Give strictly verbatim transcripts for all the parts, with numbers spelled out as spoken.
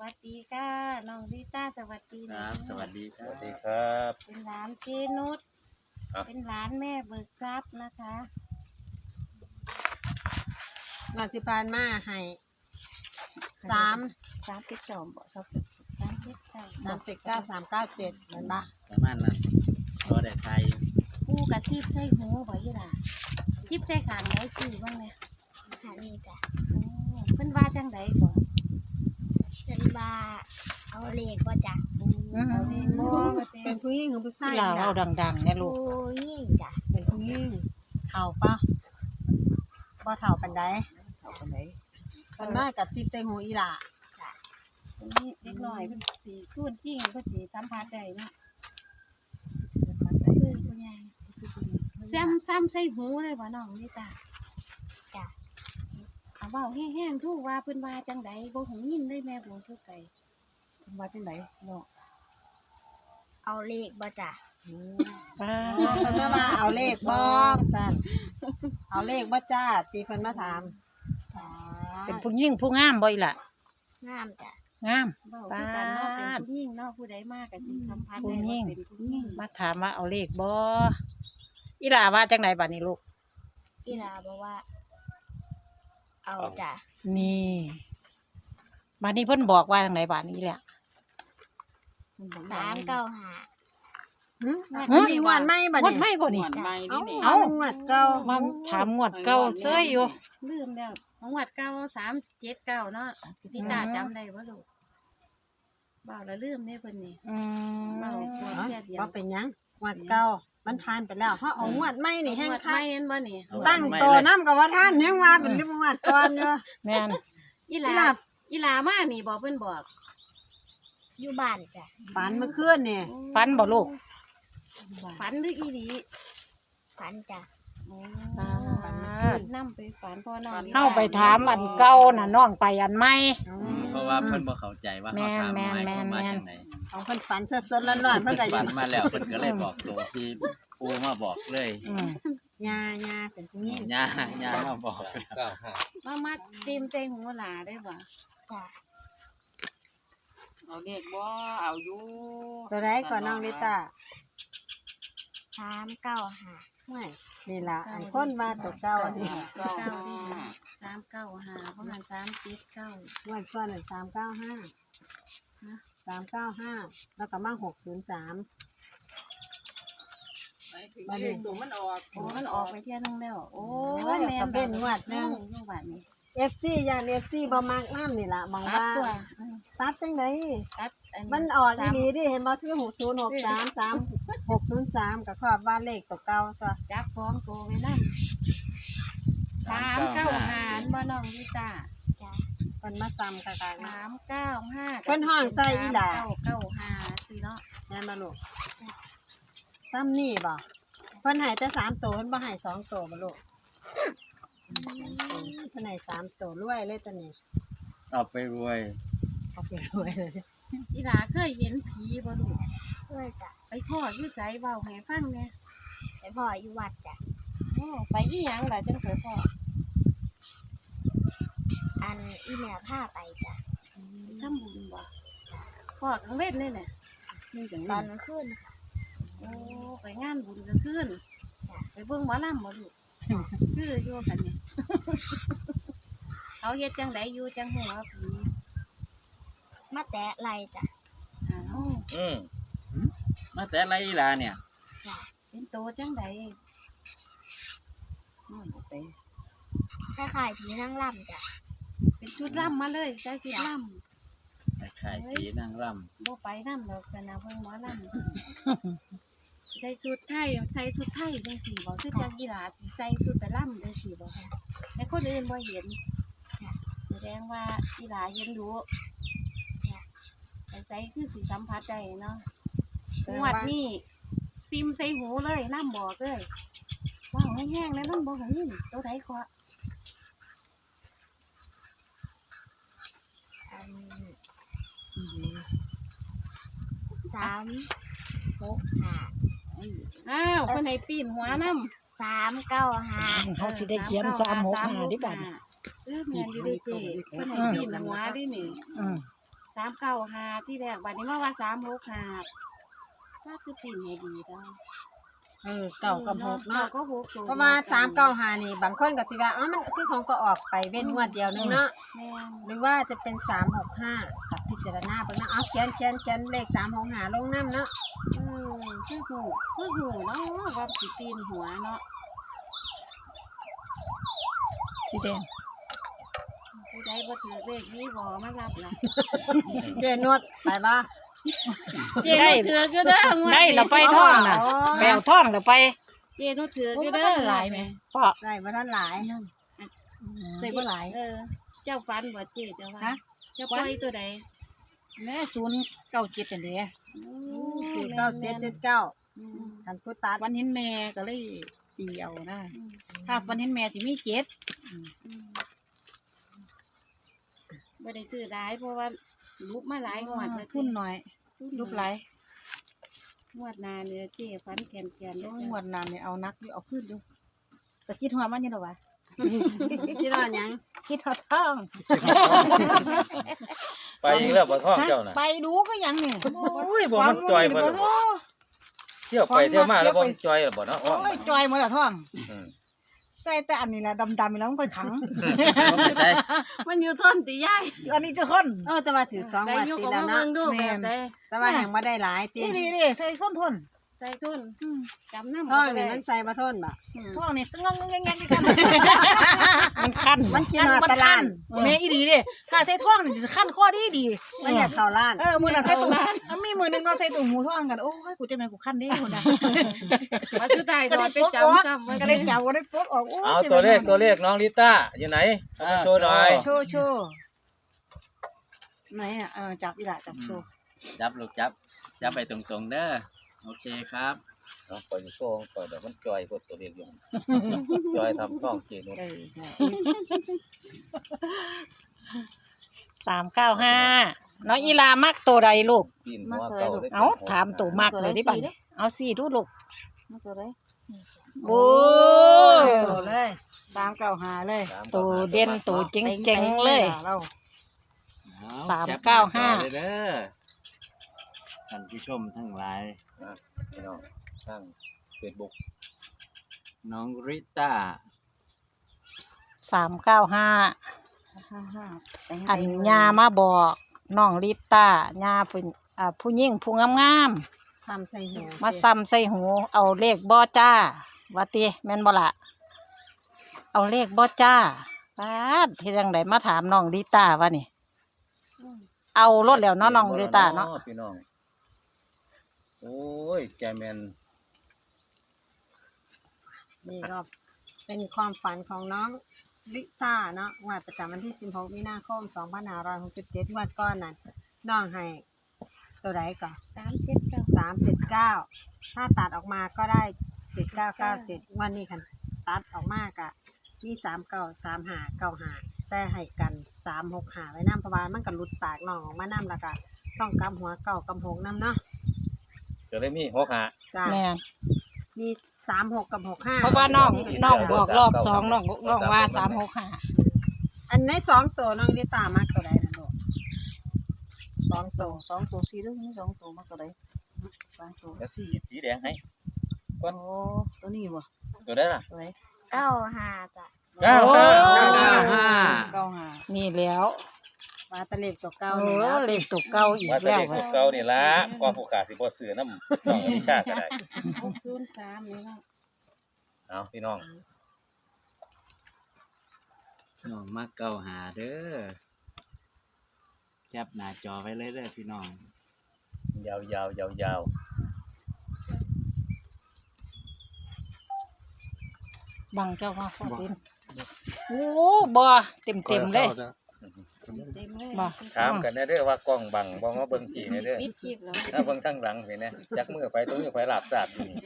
วัสดีค่ะน้องลิต้าสวัสดีคนะรับสวัสดีคสรับวัสดีครับเป็นหลานเจนุชครับเป็นหลานแม่เบิกทรัพย์นะคะงานที่ผ่านมาให้สามสามสิบสองบ่สามสามสิบเก้าสามสิบเก้าสามเก้าเจ็ดเหมือนปะประมาณนั้นรอได้ไทยคู่กับทิพใส่หูบ่ยี่ล่ะทิพใส่ขางไหนคือบ้างเนี่ยค่ะนี่จ้ะโอ้เพิ่นว่าจังไดก่อนเป็นว่าเอาเลขว่าจ้ะเอาเองบ่ว่าแต่เป็นผู้หญิงหรือผู้ชายเราเอาดังๆเนี่ยลูผู้กยิ่งจ้ะเป็นผู้หญิงเท่าปะบ่เท่าปันใดเอาไปไหนเพิ่นมากับซิบใส่หูอีหล่าอันนี้เล็กน้อยเพิ่นสิส่วนจริงเพิ่นสิสัมผัสได้เนาะคือผู้ใหญ่ซ้ำซ้ำใส่หูเลยบ่น้องลิต้าจ้ะเอาเว้าแห้งๆทุกว่าเพิ่นว่าจังไดบ่หูยินเลยแม่บ่ทุกไก่ว่าจังไดเนาะเอาเลขว่าจ้ะป้าเพิ่นมาว่าเอาเลขบ่สั่นเอาเลขบ่จ้าตีเพิ่นมาถามเป็นผู้ยิ่งผู้งามบ่อยล่ะงามจ้ะงามเว้าคือกันเนาะเป็นผู้หญิงเนาะผู้ใดมาก็สิสัมผัสผู้ได้ยิ่ว่าง เป็นผู้หญิงมาถามว่าเอาเลขบ่อีหล่าว่าจังไหนบัดนี้ลูกอีลาบอกว่า เอาจ้ะนี่บัดนี้เพิ่นบอกว่าจังไหนบัดนี้แหละสามเก้าห้าหึมีงวดใหม่บัดงวดนี้ไม่บ่นี่เอ้าเอ้าเอางวดเก่ามาถามงวดเก่าเซ้ยอยู่ลืมแล้วของวัดเก่าสามเจ็ดเก้าเนาะพี่ตาจำได้บ่ลูกเว้าแล้วลืมเด้เพิ่นนี่อืมเว้าตัวแค่เดียวว่าเป็นหยังงวดเก่ามันผ่านไปแล้วเฮาเอางวดใหม่นี่แฮงวัดคักไม่เห็นบ่นี่ตั้งโตน้ำกับว่าท่านยังว่าเป็นเรื่องงวดก่อนอยู่แม่นอีหอีลาหลาอีหลามานี่บอกเพิ่นบอกอยู่บ้านจ้ะฝันเมื่อคืนนี่ฟันบ่ลูกฝันหรืออีหลีฝันจ้ะโอ้อ่านำไปฝันพ่อน้องเฮาไปถามอันเก่าน่ะน้องไปอันใหม่อืมเพราะว่าเพิ่นบ่เข้าใจว่าเขาถามแม่นหมายแม่ความนว่าแม่นจังไดของเพิ่นฝันสดๆร้อนๆเพิ่นก็อฝัยู่นมาแล้วเพิ่นก็เลยบอกตัวที่ปูมาบอกเลยอืมยายาเป็นผู้หญิงย่าย่ามาบอกมามาเต็มใจหูหลาได้บ่จ้ะเอาเด็กบ่เอาอยู่ตัวไรก่อนน้องลิต้าสามเก้าห้าไม่นี่ล่ะอันคนมาตัวเก่าอันนี้เก้าดีสามเก้าห้าเพราะมันสามเจ็ดเก้างวดก่อนสามเก้าห้าสามเก้าห้าแล้วก็มาหกศูนย์สามไปถึงเลขตัวมันออกโอ้มันออกไปเที่ยนึงแล้วโอ้โอ้ยก็เป็นงวดหนึงลูกบาทนี่เอฟซียานเอฟซีบ่มากน้ำนี่ล่ะมองตัดว่าตัวอืมตัดจังไดตัดมันออกอีหลีดิเห็นบ่ซื้อหกศูนย์หกสามสามหกศูนย์สามกับครอบว่าเลขตัวเก่าตัวจับสองตัวไว้นั่นสามเก้าห้าบ่น้องลิต้าจ้ะเพิ่นมาซ้ำกันกันสามเก้าห้าเพิ่นห้องใส่อีหล่าเก้าเก้าห้าสิเนาะแม่นมาลูกซ้ำนี่บ่เพิ่นให้แต่สามตัวเพิ่นบ่ให้สองตัวบ่ลูกเพิ่นให้สามตัวรวยเลยตัวนี้เอาไปรวยเอาไปรวยเลยอีหลาเคยเห็นผีบ่ลูกด้วยจ้ะไปพ่ออยู่ไสเว้าให้ฟังแหน่ไปพ่ออยู่วัดจ้ะโอ้ไปอีหยังล่ะจังไปพ่ออันอีแม่พาไปจ้ะทำบุญบ่พ่อกลางเว้นนี่แหละตอนกลางคืนค่ะโอ้ไปงานบุญกลางคืนไปเบิ่งหมอลำบ่ลูกคืออยู่กันนี่ เขาเฮ็ดจังไดอยู่จังหัวาผีมาแตะไหลจ้ะอ้าวอืมมาแต่ไรอีหลาเนี่ยเป็นโตจังไดน้อยบ่ไปคล้ายๆผีนั่งร่ำจ้ะเป็นชุดล่ำมาเลยใส่ชุดล่ไอ้ไข่ผีนางรำบ่ไปนำดอกกันนะเบิ่งหมอลำ ใส่ชุดไทยใส่ชุดไทยจังซี่บ่คือจังอีหลาสิใส่ชุดไปล่ำจังซี่บ่ค่ะแต่คนอื่นบ่เห็นแสดงว่าอีหลาเห็นดูแต่ใส่คือสิสัมผัสได้เนาะงวดนี้ซิมใส่หูเลยน้ำบอกเลยว้าวแห้งๆแล้วน้ำบอกของนี่ตัวไหนขออันสามหกห้าอ้าวคนไหนปีนหัวน้ำสามเก้าห้าเขาสิได้เขียนสามหกห้าดิบัดนี้เออแม่นอยู่ด้วยเจ้คนไหนปีนหัวดินี่อืมสามเก้าห้าที่แรกบัดนี้มาว่าสามหกห้าถ้าคือติ่นให้ดีได้เออเก้ากับหกเนาะก็หกตัวเพราะว่าสามเก้าห้านี่บางคนก็สิว่าอ๋อมันคือของก็ออกไปเว้นงวดเดียวนึงเนาะแม่นหรือว่าจะเป็นสามหกห้ากับพิจารณาเบิ่งนะเอาเขียนเขียนเขียนเลขสามหกห้าลงน้ำเนาะเออคือหูคือหูเนาะว่าสิตีนหัวเนาะสีแดงผู้ใดบ่ถือเลขนี้บ่มารับล่ะเจนวดไปบ่เจนุชถือก็เด้องวดได้นี้เราไปท่องน่ะแปลวท่องเราไปเจนุชถือก็เด้อหลายไหมพ่อได้บ่ทันหลายได้บ่หลายเออ เจ้าฟันบ่เจเจ้าว่าฮะเจ้าปล่อยตัวใดแม่ศูนย์เก้าเจ็ดอันเดียสี่เก้าเจ็ดเจ็ดเก้าอืมทันผู้ตัดวันเห็นแม่ก็เลยตีเอานะอืมถ้าวันเห็นแม่สิมีเจ็ดอืมบ่ได้ซื้อหลายเพราะว่ารูปมาหลายงวดแล้วทุนหน่อยลูกไหลงวดหน้าเนี่ยเจฟันแขนๆเด้อหวดนานเนี่ยเอานักอยู่เอาขึ้นดูแต่คิดหัวมันอยังหรอวะคิดว่าหยังคิดหัวท่องไปอีกแล้วบ่ท้องเจ้าน่ะไปดูก็ยังเนี่ยโอ้ยบ่มันจอยบ่ล่ะเที่ยวไปเที่ยวมาแล้วบ่มันจอยบ่เนาะโอ้ยจอยหมดละท่องอืมใส่แต่อันนี้แหละดำๆนี่แล้วมันไปขังเอาไปใส่มันอยู่ทนติยายอันนี้จะคนเออจะมาถือสองได้วันยกติออกแล้วมาเนาะเบิ่งดูแม่แบบนใดแต่ว่ายังบ่ได้หลายตินี่นี่นี่ใส่คนทนใส่ทุนจำนำท้องนี่มันใส่บ่ทนบ่ท่องนี่งงงงงงกันมันคันมันกินฮอดมัแตะล้านแม่อีดีดิถ้าใส่ท่องนี่จะคันข้อดีดีมันอยากเข้าล้านเออมือน่ะใส่ตุ่มมีมือหนึงเราใส่ตุ่มหูท่องกันโอ้ยกูจะเป็นกูคันได้คนน่ะว่าสุดท้ายก็ก็ได้ไปปลดออกจำซ้ำไว้ก็ได้จับก็ได้ปลดออกโอ้ยเอาตัวเลขตัวเลขน้องลิต้าอยู่ไหนเอามาโชว์หน่อยโชว์โชว์ไหนอ่ะเออจับอีหล่ะจับโชว์จับลูกจับ จับไปตรงๆเด้อโอเคครับเอาปล่อยโชว์ปล่อยเดี๋ยวมันจอยกดตัวเลขอยู่จอยทำท้องเจนุชเออใช่สามเก้าห้าน้องอีลามักตัวใดลูกกินหัวเก่าได้เอาถามตัวมักเลยดิบัดเอาสี่ดูลูกมาตัวไหนโอ้โตเลยตามเก่าหาเลยตัวเด่นตัวเจ๋งๆเลยเราเอสามแคปเก้าห้าน้จอไว้เด้อท่านผู้ชมทั้งหลายพี่น้องทางเฟซบุ๊กน้องริต้าสามเก้าห้าห้าห้าอันยามาบอกน้องลิต้ายาเป็นอ่าผู้หญิงผู้งามซ้ำใส่หูๆมาซ้ำใส่หู เอาเลขบ่จ้าว่าติแม่นบ่ล่ะเอาเลขบ่จ้าปาดที่จังไดมาถามน้องลิต้าวะนี่ เอารถแล้วเนาะน้องลิต้าเนาะพี่น้องโอ้ยแกแมนนี่ก็เป็นความฝันของน้องลิต้าเนาะงวดประจำวันที่สิบหกมีนาคมสองพันห้าร้อยหกสิบเจ็ดงวดก้อนนั้นน้องให้ตัวใดก่อนสามเจ็ดเก้าสามเจ็ดเก้าถ้าตัดออกมาก็ได้เจ็ดเก้าเก้าเจ็ดวันนี้คันตัดออกมากะมีสามเก้าสามหาเก้าหาแต่ให้กันสามหกหาไว้น้ำเพราะว่ามันก็หลุดปากน้องออกมาน้ำแล้วก็ต้องกำหัวเก่ากำหกน้ำเนาะจะได้มีหัวขาจ้าแม่นมีสามหกกับหกห้าเพราะว่าน้องน้องบอกรอบสองน้องน้องว่าสามหกห้าอันในสองตัวน้องลิตามากตัวใดนะลูกสองตัวสองตัวสี่ด้วยนี่สองตัวมาตัวไหนสองตัวแล้วสีสีแดงให้โอ้ตัวนี้บ่ตัวได้ล่ะตัวไหนเก้าหาจ้ะเก้าห้าเก้าห้าเก้าหานี่แล้วมาตะเล็กตัวเก้าเอนี่อแล้วเลขตัวเก่าอีกว่าแต่แล้วเด็กเว้ยเก่านี่ละความผู้ขาสิบ่ซื้อน้ำน้องอนิชาก็ได้หกศูนย์สามนี่เนาะเอาพี่น้องน้องมาเก้าหาเด้อแคปหน้าจอไว้เลยเด้อพี่น้องยาวยาวยาวยาวบังเจ้ามาข้อสินโอ้บ่เต็มเต็มๆเลยเต็มเลยบ่ถามกันแน่เด้อว่ากล้องบังบ่มาเบิ่งพี่แน่เด้อปิดคลิปแล้วถ้าเบิ่งทางหลังเห็นแน่จักมือไปตรงนี้ไปหลับสาดอยู่นี่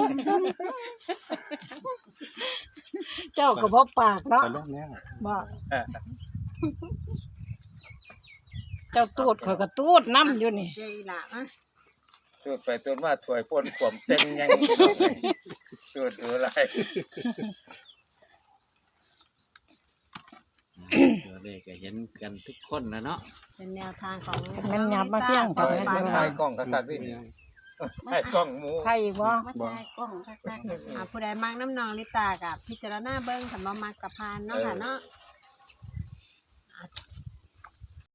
เจ้าก็บ่ปากเนาะบ่เจ้าตูดข่อยก็ตูดน้ำอยู่นี่เจอีหละอ่ะตูดไปตูดมาถวยพ่นขวมเต็งยังตูดดูอะไรตัวเลขก็เห็นกันทุกคนนะเนาะเป็นแนวทางของแม่นยับมาเพียงถ่ายมาถ่ายกล้องคักๆนี่ถ่ายกล้องหมูใครอีกบ่มาถ่ายกล้องคักๆอ่าผู้ใดมักน้ำนองลิตากับพิจารณาเบิ้งสำหรับมักกับพานเนาะค่ะเนาะ